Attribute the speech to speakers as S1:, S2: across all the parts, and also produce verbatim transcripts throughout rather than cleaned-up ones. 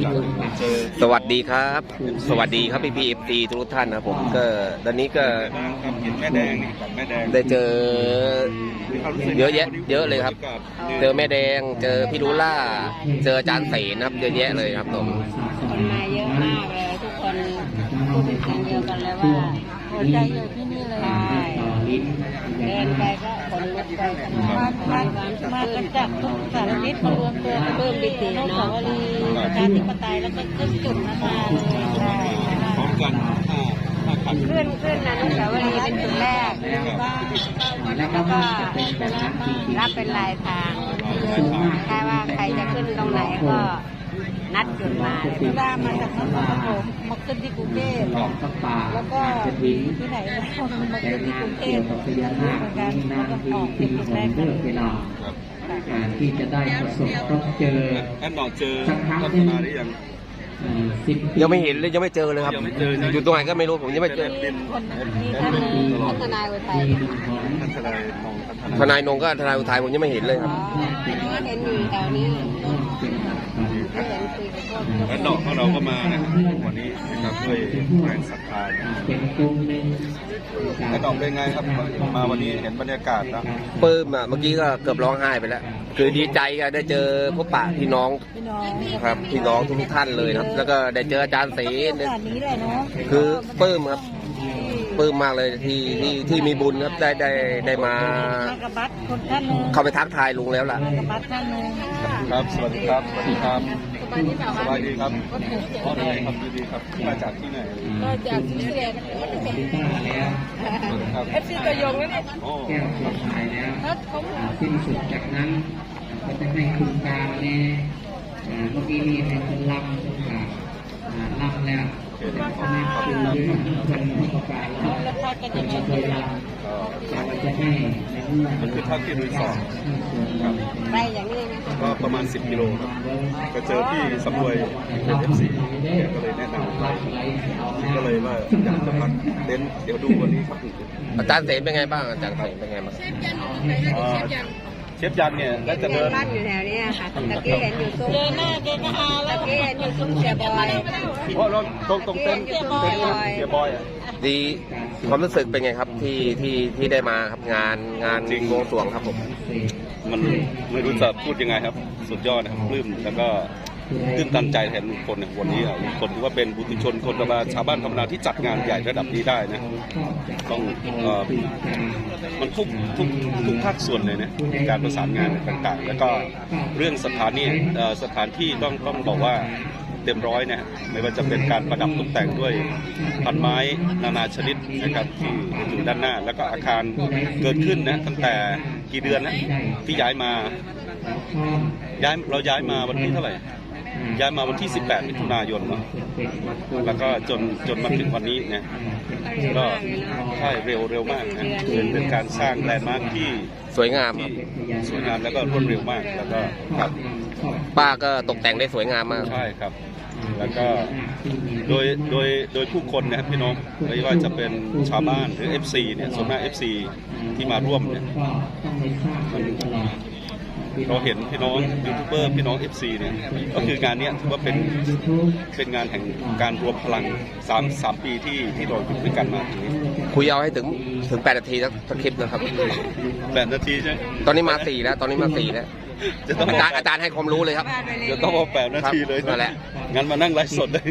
S1: สวัสดีครับ สวัสดีครับพี่พีเอฟซีทุกท่านนะผมก็ตอนนี้ก็
S2: แม่แดงนี่กับแม่แดง
S1: ได้เจอเยอะแยะเยอะเลยครับเจอแม่แดงเจอพี่ลูล่าเจออาจารย์เสนครับเยอะแยะเลยครับผม
S3: คนมาเยอะมากเลยทุกคนพูดเป็นเสียงเดียวกันเลยว่าหัวใจอยู่ที่นี่เลยเดินไปก็คนลุกไปมามามากันจากทุกสารทิศมารวมตัวเพิ่มปิติเนาะสาวรีประชาธิปไตยแล้วก็ขึ้นจุดนะคะใช่
S2: พร้อมกัน
S3: ขึ้นขึ้นอนุสาวรีย์เป็นจุดแรกแล้วก็รับเป็นลายทางแค่ว่าใครจะขึ้นตรงไหนก็นัดจุดมาเวลามาจากนครปฐมมาขึ้นที่กรุงเทพแล้วก็ที่ไหนมาขึ้นที่กรุงเทพเหมือนกันแล้วก็ออกเป็นจุดแรกกัน
S4: การที่จะได้ประสบพบเจอ
S2: แอนนองเจอพัฒนาได้ยัง
S1: ยังไม่เห็นเลยยังไม่เจอเลยครับอยู่ตรงไหนก็ไม่รู้ผมยังไม่เจอ
S3: มีท่านพัฒนาอุทัย
S1: ทนายนงก็ทนายอุทัยผมยังไม่เห็นเลยครับ
S3: เห็นอยู่แถวนี้
S2: แอนนองของเราก็มานะครับวันนี้นะครับด้วยแรงศรัทธาแอนนองเป็นไงครับมาวันนี้เห็นบรรยากาศนะ
S1: ปลื้มอ่ะเมื่อกี้ก็เกือบร้องไห้ไปแล้วคือดีใจก็ได้เจอพบปะพี่น้องครับพี่น้องทุกท่านเลยครับแล้วก็ได้เจออาจารย์เสนคือปลื้มครับปลื้มมากเลยที่ที่ที่มีบุญครับได้ได้ได้มาเข้าไปทักทายลุงแล้วล่ะ
S2: ครับสวัสดีครับสวัสดีครับสบายดีครับอ๋อได้ครับดีครับมาจากที่ไหน
S3: มาจากที่เรียนเอฟซีตัวยงแล้วเนี่ย
S4: แก้วสุดท้ายแล้วสิ้นสุดจากนั้นก็จะให้คุณตาเนี่ยเมื่อกี้นี่เป็นคนลำคนขาลำแล้วเขาไม่ขอดูด้วยคนผู้ประกาศแล้วคนจะเคยลำแต่ว่าจะให้ในเมื่อ
S2: มันคือท่าที่รีสอร์ทครับ
S3: ไปอย่างนี้
S2: ก็ประมาณสิบกิโลครับก็เจอพี่สำรวยเอฟซีก็เลยแนะนำไปก็เลยว่าอยากจะพักเต็นท์เดี๋ยวดูวันนี้ครับ
S1: อาจารย์เสนเป็นไงบ้างอาจารย์เสนเป็นไงบ้าง
S2: เชฟยันเนี่ยก็จะเดิน
S3: บ้านอยู่แถวนี้ค่ะตะกี้เห็นอยู่ซุ้มเจอหน้าเจอหน้าตะกี้เห็นอยู่ซุ้มเสียบอย
S2: เพราะเราตรงตรงเต็นท์เต็นท์เสียบอย
S1: ดีความรู้สึกเป็นไงครับที่ที่ที่ได้มาครับงานงานบวงสรวงครับผม
S2: มันไม่รู้จะพูดยังไงครับสุดยอดนะครับปลื้มแล้วก็ตื่นตันใจแทนลุงพลในวันนี้ลุงพลถือว่าเป็นบุตรชนคนธรรมดาชาวบ้านธรรมดาที่จัดงานใหญ่ระดับนี้ได้นะต้องมันทุกทุกทุกภาคส่วนเลยนะการประสานงานต่างๆแล้วก็เรื่องสถานที่สถานที่ต้องต้องบอกว่าเต็มร้อยนะไม่ว่าจะเป็นการประดับตกแต่งด้วยพันไม้นานาชนิดนะครับที่อยู่ด้านหน้าแล้วก็อาคารเกิดขึ้นนะตั้งแต่กี่เดือนนะที่ย้ายมาย้ายเราย้ายมาวันที่เท่าไหร่ย้ายมาวันที่สิบแปดมิถุนายนเนาะแล้วก็จนจนมาถึงวันนี้เนี่ยก็ใช่เร็วเร็วมากนะเป็นเป็นการสร้างแลนด์มาร์คที่
S1: สวยงาม
S2: ที่สวยงามแล้วก็รวดเร็วมากแล้วก็ครับ
S1: ป้าก็ตกแต่งได้สวยงามมาก
S2: ใช่ครับแล้วก็โดยโดยโดยผู้คนนะครับพี่น้องไม่ว่าจะเป็นชาวบ้านหรือ เอฟ ซี เนี่ยส่วนมาก เอฟ ซี ที่มาร่วมเนี่ยเราเห็นพี่น้องยูทูบเบอร์พี่น้อง เอฟ ซี เนี่ยก็คืองานนี้ถือว่าเป็นเป็นงานแห่งการรวมพลังสามสามปีที่ที่เราอยู่ด้วยกันมาถึงนี้
S1: คุยเอาให้ถึงถึงแปดนาทีสักคลิปนะครับ
S2: แปดนาทีใช่
S1: ตอนนี้มาสี่แล้วตอนนี้มาสี่แล้วอาจารย์อาจารย์ให้ความรู้เลยครับ
S2: เดี๋ยวต้องเอาแปดนาทีเลย
S1: นั่นแหละ
S2: งั้นมานั่งไลฟ์สดเลย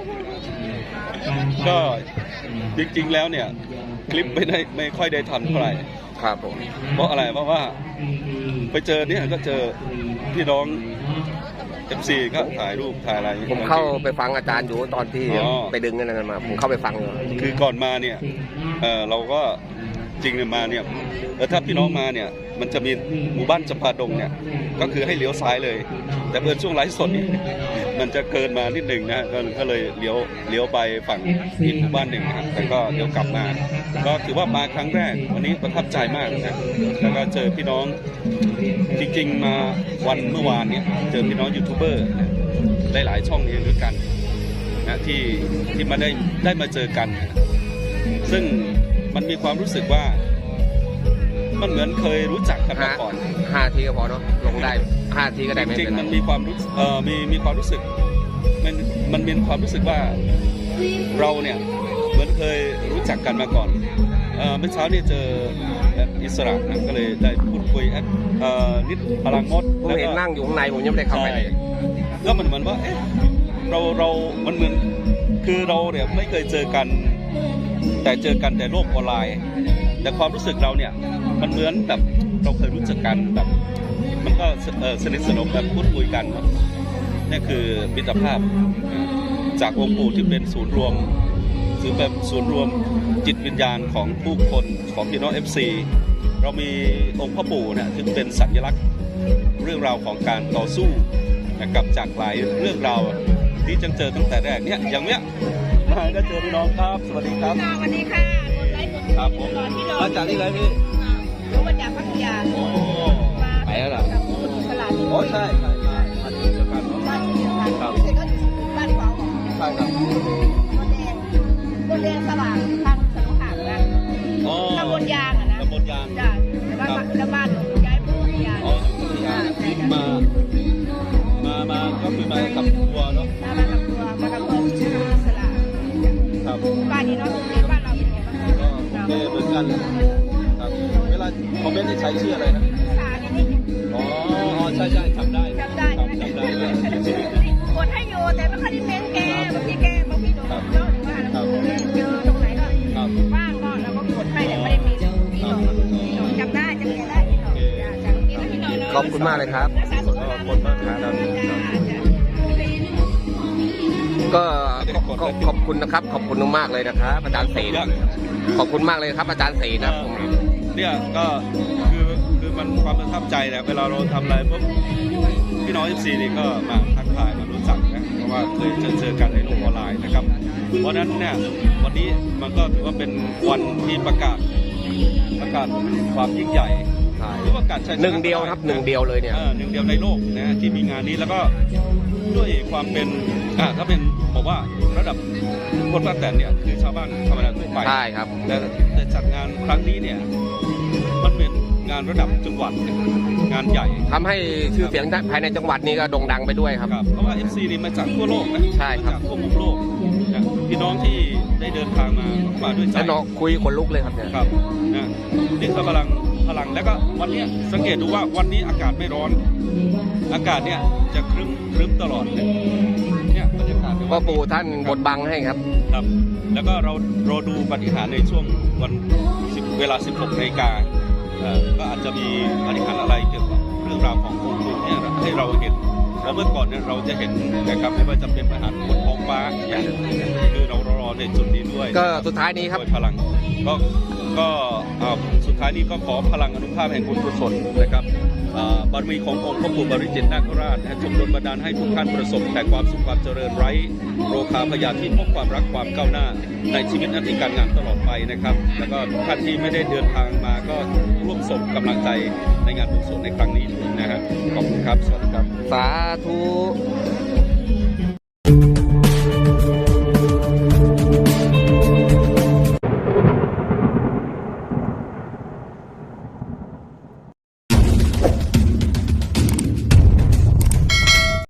S2: ก็จริงๆแล้วเนี่ยคลิปไม่ได้ไม่ค่อยได้ทำเท่าไหร่
S1: ครับผม
S2: เพราะอะไรเพราะว่าไปเจอเนี่ยก็เจอพี่น้อง เอฟ ซี ก็ถ่ายรูปถ่ายอะไร
S1: ผมเข้าไปฟังอาจารย์อยู่ตอนที่ไปดึงนั่นมาผมเข้าไปฟัง
S2: คือก่อนมาเนี่ยเออเราก็จริงเนี่ยมาเนี่ยแล้วถ้าพี่น้องมาเนี่ยมันจะมีหมู่บ้านจำปาดงเนี่ยก็คือให้เลี้ยวซ้ายเลยแต่เมื่อช่วงไลฟ์สดเนี่ยมันจะเกินมานิดหนึ่งนะก็เลยเลี้ยวเลี้ยวไปฝั่งอีกหมู่บ้านหนึ่งครับแต่ก็เดี๋ยวกลับมาก็ถือว่ามาครั้งแรกวันนี้ประทับใจมากนะแล้วก็เจอพี่น้องจริงๆมาวันเมื่อวานเนี่ยเจอพี่น้องยูทูบเบอร์ได้หลายช่องเองด้วยกันนะที่ที่มาได้ได้มาเจอกันซึ่งมันมีความรู้สึกว่ามันเหมือนเคยรู้จักกันมาก่อน
S1: ห้าทีก็พอเนาะลงได้ห้าทีก็ได้
S2: จริงๆมันมีความรู้เอ่อมีมีความรู้สึกมันมันมีความรู้สึกว่าเราเนี่ยเหมือนเคยรู้จักกันมาก่อนเอ่อเมื่อเช้าเนี่ยเจอแอดอิสระนะก็เลยได้พูดคุยแอดเอ่อนิดพลังมด
S1: ผมเห็นนั่งอยู่ข้างในผมยังไม่ได้เข้าไปเลย
S2: ก็มันเหมือนว่าเอ๊ะเราเรามันเหมือนคือเราเนี่ยไม่เคยเจอกันแต่เจอกันแต่โลกออนไลน์ แต่ความรู้สึกเราเนี่ยมันเหมือนแบบเราเคยรู้จักกันแบบมันก็เอ่อสนิทสนมแบบพูดคุยกันนี่คือมิตรภาพจากองค์ปู่ที่เป็นศูนย์รวมถือแบบศูนย์รวมจิตวิญญาณของผู้คนของพี่น้อง เอฟ ซี เรามีองค์พ่อปู่เนี่ยที่เป็นสัญลักษณ์เรื่องราวของการต่อสู้นะครับจากหลายเรื่องราวที่จังเจอตั้งแต่แรกเนี่ยอย่างเนี้ยมาก็เจอพี่น้องครับสวัสดีครับ
S3: สวัสดีค่ะคนไลฟ์คน
S2: ครับผม
S3: รอที่รอ
S2: มาจากที่ไหนพี่
S3: รู้มาจากพัทยา
S2: โอ้
S3: มา
S1: ไปแล้วเหรอ
S3: กับคุณอิสระที่
S2: โอ้ใช่ใช่ใช่มาที่เดียวกันเนาะ
S3: บ้านเดียวกัน
S2: ครับ
S3: เสร็จก็อยู่บ้านเขา
S2: ใช่ครับ
S3: บนแดงบนแดงสว่างทางสนุขางนะ
S2: อ๋อ
S3: ตำบลยางอะนะ
S2: ตำบลยาง
S3: จ้ะแต่ว่าแล้วบ้านหนูย้ายไปพัทยา
S2: อ๋ออยู่ที่ยางมา มา มาก็คือมากับทัวร์เนาะ
S3: มามากับตัวมากับตัวชื่ออิสระ
S2: ครับ
S3: บ้านนี้เนาะในบ้านเราเป็นไงบ้าง
S2: ก็โอเคเหมือนกันเลยครับเวลาคอมเมนต์ที่ใช้ชื่ออะไรนะ
S3: สาเนี่ยนี่
S2: อ๋ออ๋อใช่ใช่จำได้
S3: จำได้ใช่ไหม
S2: จำได้เลย
S3: กดให้อยู่แต่ไม่ค่อยได้เม้นแกบางทีแกบางทีโดนเยอะหรือว่าเราเจอตรงไหนก็
S2: ครับ
S3: ว่างก็เราก็กดให้แต่ไม่ได้มีพี่หนอนพี่หนอนจำได้จำแกได้พี่หนอนจ้ะจำแกได้พี่หนอน
S1: ขอบคุณมากเลยครับ
S3: รักษาสุขภาพ
S2: ขอบคุณมากครับ
S3: จ้ะจ้ะ
S1: ก็ขอขอบคุณนะครับ ขอบคุณมากเลยนะครับอาจารย์ศรีขอบคุณมากเลยครับอาจารย์ศรีนะครับผม
S2: เนี่ยก็คือคือมันความประทับใจแหละเวลาเราทำอะไรปุ๊บพี่น้อง เอฟ ซี นี่ก็มาทักทายมารู้จักนะเพราะว่าเคยเจอเจอกันในโลกออนไลน์นะครับเพราะฉะนั้นเนี่ยวันนี้มันก็ถือว่าเป็นวันที่ประกาศประกาศความยิ่งใหญ่หรือประกาศชัยชนะ
S1: หนึ่งเดียวครับหนึ่งเดียวเลยเนี่ย
S2: ออหนึ่งเดียวในโลกนะที่มีงานนี้แล้วก็ด้วยความเป็นอ่าถ้าเป็นบอกว่าระดับคนป้าแตนเนี่ยคือชาวบ้านธรรมดาทั่วไป
S1: ใช่ครับ
S2: แต่แต่จัดงานครั้งนี้เนี่ยมันเป็นงานระดับจังหวัดงานใหญ่
S1: ทำให้ชื่อเสียงภายในจังหวัดนี้ก็โด่งดังไปด้วยครับ
S2: ครับเพราะว่า เอฟ ซี นี่มาจากทั่วโลกนะ
S1: ใช่ครับ
S2: มาจากทั่วมุมโลกนะพี่น้องที่ได้เดินทางมาก็มาด้วยใจ
S1: แล้วน้องคุยขนลุกเลยครับเนี่ย
S2: ครับนะนี่คือพลังพลังแล้วก็วันนี้สังเกตดูว่าวันนี้อากาศไม่ร้อน อากาศเนี่ยจะครึ้มครึ้มตลอดเลยเนี่ยบรรยากาศใน
S1: พ่
S2: วั
S1: อน ปู่ท่านบดบังให้ครับ
S2: ครับแล้วก็เรารอดูปฏิหารย์ในช่วงวันสิบเวลา สิบหกนาฬิกาเอ่อก็อาจจะมีปฏิหารย์อะไรเกี่ยวกับเรื่องราวขององค์ปู่เนี่ยให้เราเห็นแล้วเมื่อก่อนเนี่ยเราจะเห็นนะครับไม่ว่าจะเป็นปฏิหารย์บนท้องฟ้าเนี่ยคือเรารอในจุดนี้ด้วย
S1: ก็สุดท้ายนี้ครับ
S2: ด้วยพลังก็ก็เอ่อสุดท้ายนี้ก็ขอพลังอนุภาพแห่งบุญกุศลนะครับเอ่อบารมีขององค์พระปู่บริจิตรนาคราชจงดลบันดาลให้ทุกท่านประสบแต่ความสุขความเจริญไร้โรคาพยาธิพบความรักความก้าวหน้าในชีวิตหน้าที่การงานตลอดไปนะครับแล้วก็ทุกท่านที่ไม่ได้เดินทางมาก็ร่วมส่งกำลังใจในงานบุญกุศลในครั้งนี้ด้วยนะครับขอบคุณครับสวัสดีครับ
S1: สาธุ